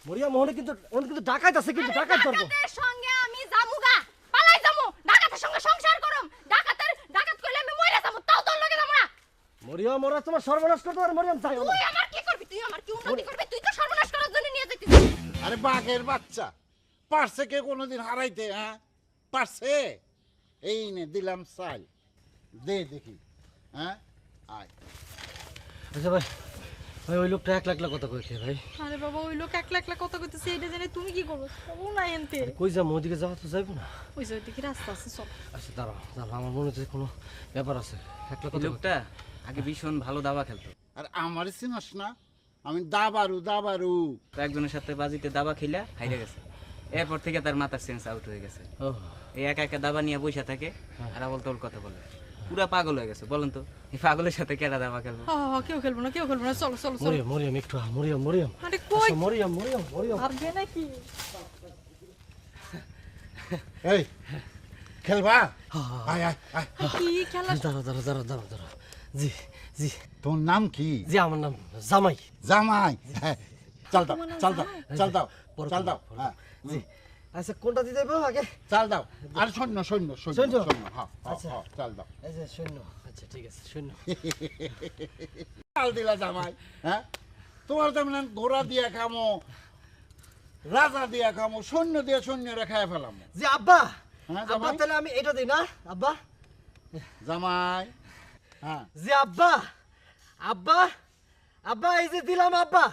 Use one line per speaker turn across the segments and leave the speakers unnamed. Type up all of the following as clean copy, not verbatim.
মরিয়া মোহনে কিন্তু ডাকাত আছে, কিন্তু ডাকাত ধরবো।
ডাকাতের সঙ্গে আমি জামুগা, পালাই যামু। ডাকাতের সঙ্গে সংসার করুম। ডাকাত কইলে আমি মইরা যামু, তাও তোর লগে যামু না।
মরিয়া মোরা তোমার সর্বনাশ করতে পারে, মরিয়াম চাই না।
তুই আমার কি করবি? তুই আমার কি উন্নতি করবি? তুই তো সর্বনাশ করার জন্য নিয়ে যাইতিস।
আরে বাঘের বাচ্চা, পারছে কে কোনোদিন হারাইতে? হ্যাঁ পারছে? এই নে দিলাম চাল, দে দেখি। হ্যাঁ আয়।
আচ্ছা ভাই, ওই লোকটা 1 লাখ কথা কইছে ভাই।
আরে বাবা, ওই লোক 1 লাখ কথা কইতেছে, এটা জেনে তুমি কি করবে? ও না এনতে।
কই যাবো? ওদিকে যাওয়া তো যাইব না।
ওই যে ওইদিকে রাস্তা আছে, চল।
আচ্ছা দাঁড়াও, আমার মনে হচ্ছে কোনো ব্যাপার আছে। 1 লাখ কথা
লোকটা আগে ভীষণ ভালো দাবা খেলতো।
আর আমার চিনস না? আমি দাবারু।
তো একজনের সাথে বাজিতে দাবা খেলা হাইরে গেছে। এরপর থেকে তার মাথার সেন্স আউট হয়ে গেছে।
ও
এই একা একা দাবা নিয়ে বসে থাকে আর আবল তবল কথা বলে। পুরা পাগল হয়ে গেছে। বলেন তো এই পাগলের সাথে কেডা দাবা খেলবো?
কেউ খেলবো না, চলো চলো চলো।
মরিয়াম একটু মরিয়াম।
আরে কই
মরিয়াম
ভাববে নাকি?
এই খেলবা? আয় আয় আয়।
কি খেলা?
দাঁড়াও। জি জি
তোর নাম কি?
জি, আমার নাম জামাই।
জামাই। হ্যাঁ, চাল দাও। হ্যাঁ
জি আচ্ছা, কোনটা দিতে হবে আগে?
চাল দাও। আর সৈন্য। হ্যাঁ
আচ্ছা।
চাল দাও।
এই যে শূন্য। আচ্ছা ঠিক আছে, শূন্য।
চাল দিলা জামাই। হ্যাঁ তোমার তেমন ঘোড়া দিয়া খামো, রাজা দিয়া খামো, সৈন্য দিয়ে সৈন্যরা খায় ফেলাম।
জি আব্বা।
হ্যাঁ
আব্বা
জামাই।
তাহলে আমি এটা দিই না আব্বা?
জামাই। হ্যাঁ
জি আব্বা এই যে দিলাম আব্বা।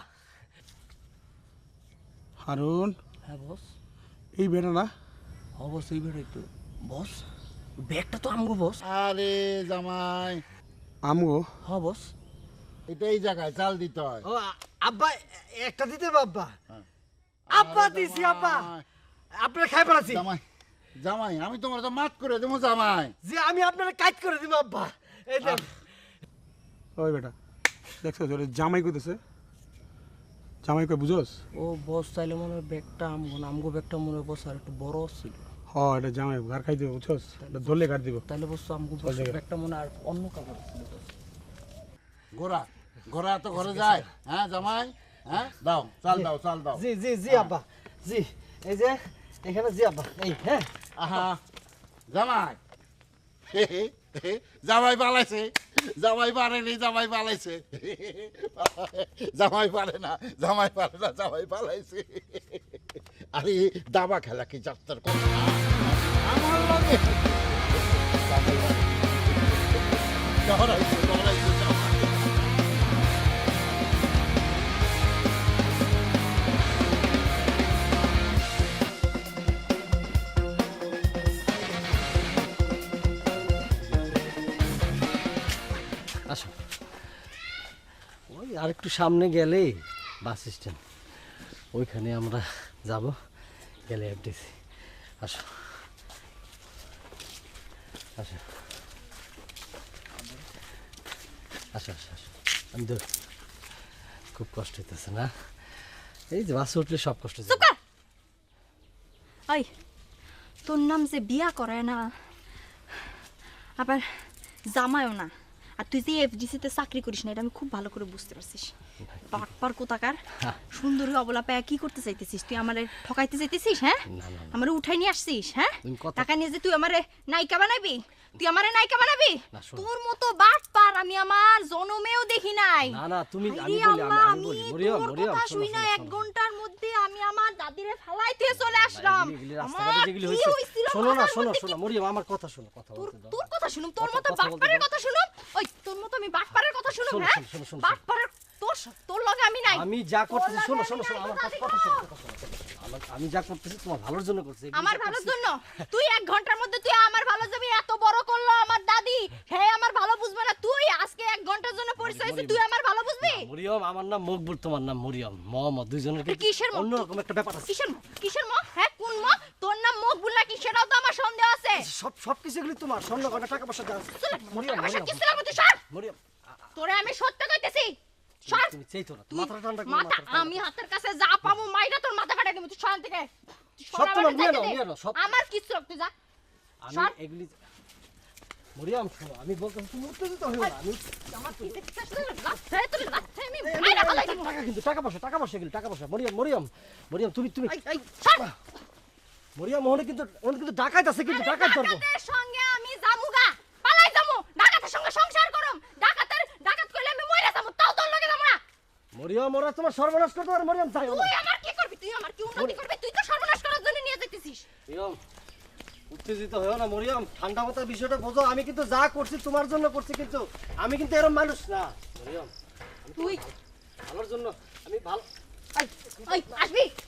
হারুন,
হ্যাঁ বস।
এই বেটা না?
অবশ্যই বেরোই তো বস। ব্যাগটা তো আমগো বস।
আরে জামাই,
আমগো?
হ্যাঁ বস।
এটা এই জায়গায় চাল দিতে হয়।
ও আব্বা, একটা দিতে হবে আব্বা।
হ্যাঁ।
আব্বা
আরে
দিছি
জামাই।
আব্বা। আপনার খাই পালাছি।
জামাই আমি তোমার তো মাত করে দেবো জামাই।
জি আমি আপনার কাজ করে দিব আব্বা। এই দেখ।
ওই বেটা দেখছো তোর জামাই কইতেছে? জামাই কই বুঝোস?
ও বস চাইলে মনে হয় ব্যাগটা আমগো ব্যাগটা মনে হয় বস আর একটু বড় ছিল।
হ এটা জামাই ঘর খাই দিব বুঝছোস? এটা ধরলে কাট দিব।
তাহলে বস আমগো
চল দেখে।
ব্যাগটা মনে হয় আর অন্য কাপড় ছিল বস।
ঘোড়া তো ঘরে যায়। হ্যাঁ জামাই। হ্যাঁ দাও চাল দাও।
জি আব্বা। জি এই যে এখানে জি আব্বা। এই হ্যাঁ।
আহা জামাই। জামাই পালাইছে। জামাই পারেনি, জামাই পালাইছে। জামাই পারে না, জামাই পালাইছে। আরে দাবা খেলা কি যাত্রার কথা? আমার লাগে ডরাইছে জামাই।
আসো, ওই আর একটু সামনে গেলে বাস স্ট্যান্ড, ওইখানে আমরা যাব, গেলে এফডিসি। আসো আসো আসো আসো আসো। আমি তো খুব কষ্ট হইতেছে না? এই যে বাসে উঠলে সব কষ্ট যাবে।
ওই তোর নাম যে বিয়া করে না, আবার জামাইও না, আর তুই যে এফডিসিতে চাকরি করিস না, এটা আমি খুব ভালো করে বুঝতে পারছিস। বাটপার কোথাকার সুন্দরী অবলা পায়া কি করতে চাইতেছিস? তুই আমারে ঠকাইতে চাইতেছিস? হ্যাঁ, আমারে উঠাই নিয়ে আসছিস। হ্যাঁ, টাকা নিয়ে যে তুই আমারে নায়িকা বানাবি? তোর মতো বাটপার আমি আমার জনমেও দেখি নাই।
না তুমি, আমি বলি মরিয়ম
কথা শুই না, 1 ঘন্টার মধ্যে আমি আমার দাদিরে ফালাইতে চলে আসলাম।
শোনো মরিয়ম, আমার কথা শোনো।
তোর কথা শুনুম? তোর মতো বাটপারের কথা শুনুম? ওই তোর মতো আমি বাটপারের কথা শুনুম? হ্যাঁ, বাটপারের তোর লগে আমি নাই।
আমি যা করতেছি, শোনো আমার কথা শোনো। আমি যা করতেছি তোমার ভালোর জন্য করছি।
আমার ভালোর জন্য? তুই 1 ঘন্টার মধ্যে তুই আমার ভালো যাবি? এত বড় করলো আমার দাদি, হ্যাঁ আমার ভালো বুঝবে না? তুই আজকে 1 ঘন্টার জন্য পরিচয় হইছে, তুই আমার ভালো বুঝবি?
মরিয়ম, আমার নাম মকবুল, তোমার নাম মরিয়ম। মোহাম্মদ, দুইজনের কি অন্যরকম একটা ব্যাপার আছে।
কিসের ম? হ্যাঁ কোন ম? তোর নাম মকবুল নাকি সেটাও তো আমার সন্দেহ আছে।
সব কিছু এগুলি তোমার, স্বর্ণ গয়না টাকা পয়সা দাও। মরিয়ম
কিছু লাগবে তুই সর।
মরিয়ম,
তোরে আমি সত্য কইতেছি, সর।
তুমি চাইতো না, মাথা ঠান্ডা করো।
মাথা আমি হাতের কাছে যা পাবো মাইরা তোর মাথা ফাটাই দেব। তুই সর থেকে।
সব তোমার, নিয়ে নাও সব।
আমার কিছু তুই যা।
আমি এগুলি মরিয়াম শোনো, আমি বলতেছি তুমি উত্তেজিত হও না। আমি
আমার কি দেখছিস আসলে লাথে তোর লাথে আমি
এই,
মাইরা ফেলাই দিব
টাকা কিন্তু টাকা পয়সা এগুলো টাকা পয়সা। মরিয়াম মরিয়াম মরিয়াম তুমি তুমি
এই ছাড়
মরিয়াম ওখানে কিন্তু ডাকাত আছে, কিন্তু ডাকাত ধরবো।
ডাকাতের সঙ্গে আমি জামুগা পালাই যামু ডাকাতের সঙ্গে সংসার করম ডাকাত কইলে আমি মইরা যামু তাও তোর লগে যামু না
মরিয়াম ওরা তোমার সর্বনাশ করতে পারে। মরিয়াম যাইও না।
তুই আমার কি করবি তুই আমার কি উন্নতি করবি তুই তো সর্বনাশ করার জন্য নিয়ে যাইতেছিস
মরিয়াম উত্তেজিত হও না মরিয়াম, ঠান্ডা মাথায় বিষয়টা বোঝো। আমি কিন্তু যা করছি তোমার জন্য করছি, কিন্তু আমি কিন্তু এরকম মানুষ না মরিয়াম।
তুই
ভালোর জন্য আমি ভালো।
ওই আসবি